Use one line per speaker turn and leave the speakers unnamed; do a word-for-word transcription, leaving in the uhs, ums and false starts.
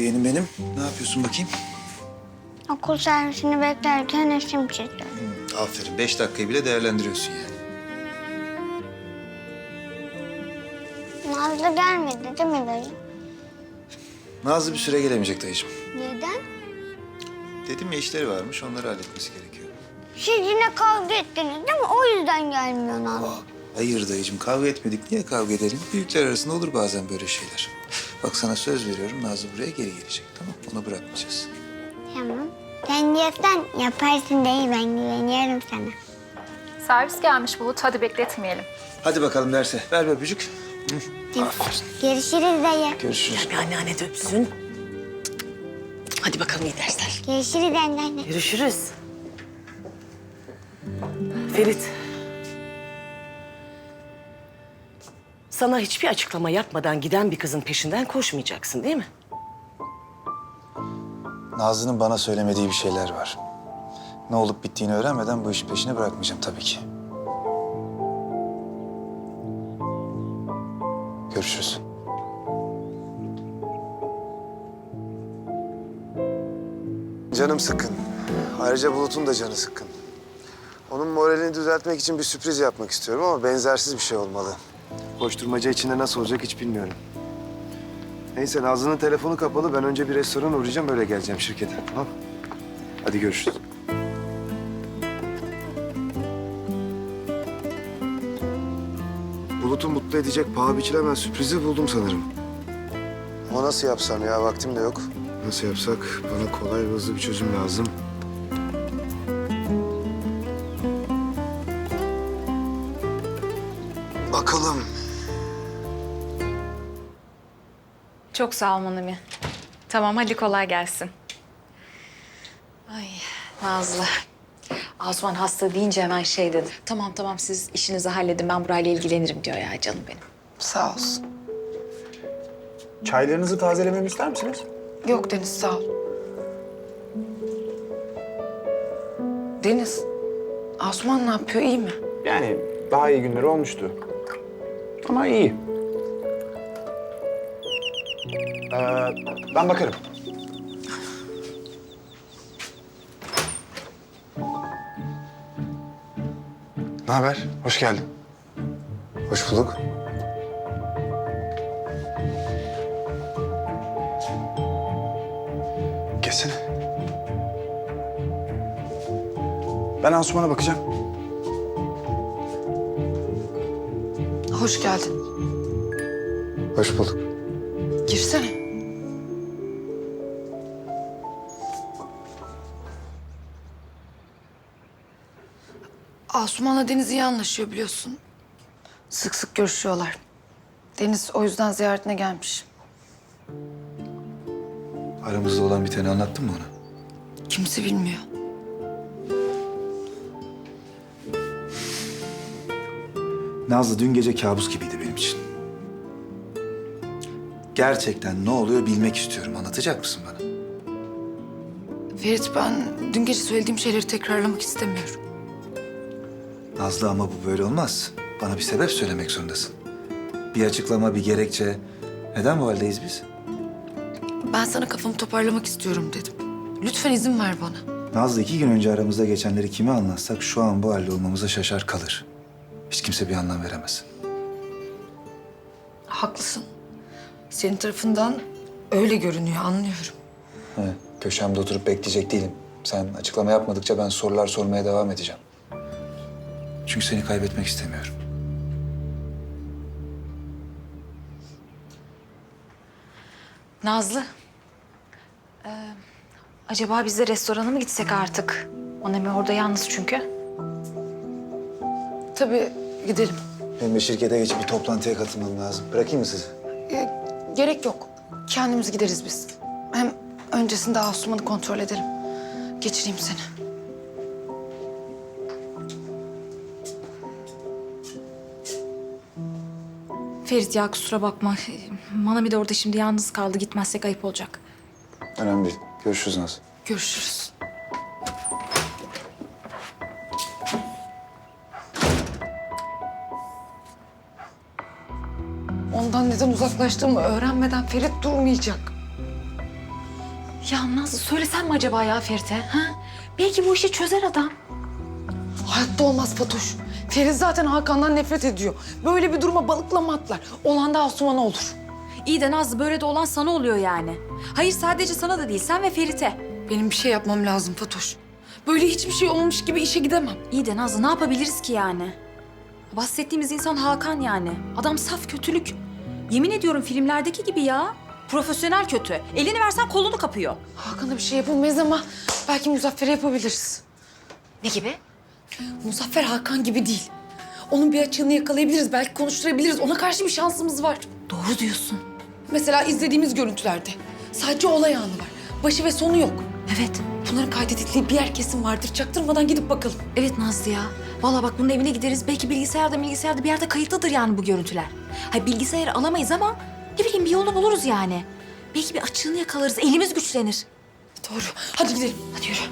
yeğenim benim. Ne yapıyorsun bakayım?
Okul servisini beklerken resim çiziyorum.
Hı, aferin. Beş dakikayı bile değerlendiriyorsun yani.
Nazlı gelmedi değil mi dayı?
Nazlı bir süre gelemeyecek dayıcığım.
Neden?
Dedim ya işleri varmış, onları halletmesi gerekiyor.
Siz yine kavga ettiniz değil mi? O yüzden gelmiyor Nazlı.
Aa, hayır dayıcığım, kavga etmedik. Niye kavga edelim? Büyükler arasında olur bazen böyle şeyler. Bak sana söz veriyorum, Nazlı buraya geri gelecek, tamam? Onu bırakmayacağız.
Tamam. Sen diyorsan yaparsın dayı, ben güveniyorum sana.
Servis gelmiş Bulut. Hadi bekletmeyelim.
Hadi bakalım derse. Ver bir öpücük.
Görüşürüz dayı.
Görüşürüz.
Bir anneanne de öpsün. Hadi bakalım iyi dersler.
Görüşürüz anneanne.
Görüşürüz. Ferit. Sana hiçbir açıklama yapmadan giden bir kızın peşinden koşmayacaksın değil mi?
Nazlı'nın bana söylemediği bir şeyler var. Ne olup bittiğini öğrenmeden bu işi peşine bırakmayacağım tabii ki. Görüşürüz.
Canım sıkkın. Ayrıca Bulut'un da canı sıkkın. Onun moralini düzeltmek için bir sürpriz yapmak istiyorum ama benzersiz bir şey olmalı. Koşturmaca içinde nasıl olacak hiç bilmiyorum. Neyse Nazlı'nın telefonu kapalı. Ben önce bir restorana uğrayacağım, öyle geleceğim şirkete. Tamam. Hadi görüşürüz. Bulut'u mutlu edecek paha biçilemez sürprizi buldum sanırım. Ama nasıl yapsam ya? Vaktim de yok. Nasıl yapsak? Bana kolay ve hızlı bir çözüm lazım. Bakalım.
Çok sağ ol Manami. Tamam hadi kolay gelsin. Ay Nazlı. Asuman hasta deyince hemen şey dedi. Tamam tamam siz işinizi halledin ben burayla ilgilenirim diyor ya canım benim.
Sağ olsun.
Çaylarınızı tazelememi ister misiniz?
Yok Deniz, sağ ol. Deniz, Asuman ne yapıyor, iyi mi?
Yani daha iyi günleri olmuştu. Ama iyi. Ee, ben bakarım.
Ne haber? Hoş geldin. Hoş bulduk.
Geçsene. Ben Asuman'a bakacağım.
Hoş geldin.
Hoş bulduk.
Girsene. Asuman'la Deniz iyi anlaşıyor biliyorsun. Sık sık görüşüyorlar. Deniz o yüzden ziyaretine gelmiş.
Aramızda olan biteni anlattın mı ona?
Kimse bilmiyor.
Nazlı dün gece kabus gibiydi benim için. Gerçekten ne oluyor bilmek istiyorum. Anlatacak mısın bana?
Ferit, ben dün gece söylediğim şeyleri tekrarlamak istemiyorum.
Nazlı ama bu böyle olmaz. Bana bir sebep söylemek zorundasın. Bir açıklama, bir gerekçe. Neden bu haldeyiz biz?
Ben sana kafamı toparlamak istiyorum dedim. Lütfen izin ver bana.
Nazlı iki gün önce aramızda geçenleri kime anlatsak şu an bu halde olmamıza şaşar kalır. Hiç kimse bir anlam veremez.
Haklısın. Senin tarafından öyle görünüyor, anlıyorum.
Evet, köşemde oturup bekleyecek değilim. Sen açıklama yapmadıkça ben sorular sormaya devam edeceğim. Çünkü seni kaybetmek istemiyorum.
Nazlı. Ee, acaba biz de restorana mı gitsek artık? Manami orada yalnız çünkü.
Tabii gidelim.
Benim de şirkete geçip bir toplantıya katılmam lazım. Bırakayım mı sizi?
Ee, gerek yok. Kendimiz gideriz biz. Hem öncesinde Asuman'ı kontrol edelim. Geçireyim seni.
Ferit ya kusura bakma. Manami de orada şimdi yalnız kaldı. Gitmezsek ayıp olacak.
Önemli değil. Görüşürüz Nazlı.
Görüşürüz. Ondan neden uzaklaştığımı öğrenmeden Ferit durmayacak.
Ya Nazlı söylesem mi acaba ya Ferit'e? Ha? Belki bu işi çözer adam.
Hayatta olmaz Fatoş. Ferit zaten Hakan'dan nefret ediyor. Böyle bir duruma balıkla mı atlar? Olan da Asuman'a olur.
İyi de Nazlı böyle de olan sana oluyor yani. Hayır sadece sana da değil sen ve Ferit'e.
Benim bir şey yapmam lazım Fatoş. Böyle hiçbir şey olmamış gibi işe gidemem.
İyi de Nazlı ne yapabiliriz ki yani? Bahsettiğimiz insan Hakan yani. Adam saf kötülük. Yemin ediyorum filmlerdeki gibi ya. Profesyonel kötü. Elini versen kolunu kapıyor.
Hakan'a bir şey yapamayız ama belki Muzaffer'e yapabiliriz.
Ne gibi?
Muzaffer Hakan gibi değil. Onun bir açığını yakalayabiliriz, belki konuşturabiliriz. Ona karşı bir şansımız var.
Doğru diyorsun.
Mesela izlediğimiz görüntülerde sadece olay anı var. Başı ve sonu yok.
Evet.
Bunların kaydedildiği bir yer kesin vardır. Çaktırmadan gidip bakalım.
Evet Nazlı ya. Vallahi bak bunun evine gideriz. Belki bilgisayarda bilgisayarda bir yerde kayıtlıdır yani bu görüntüler. Hayır bilgisayarı alamayız ama ne bileyim bir yolunu buluruz yani. Belki bir açığını yakalarız. Elimiz güçlenir.
Doğru. Hadi gidelim.
Hadi yürü.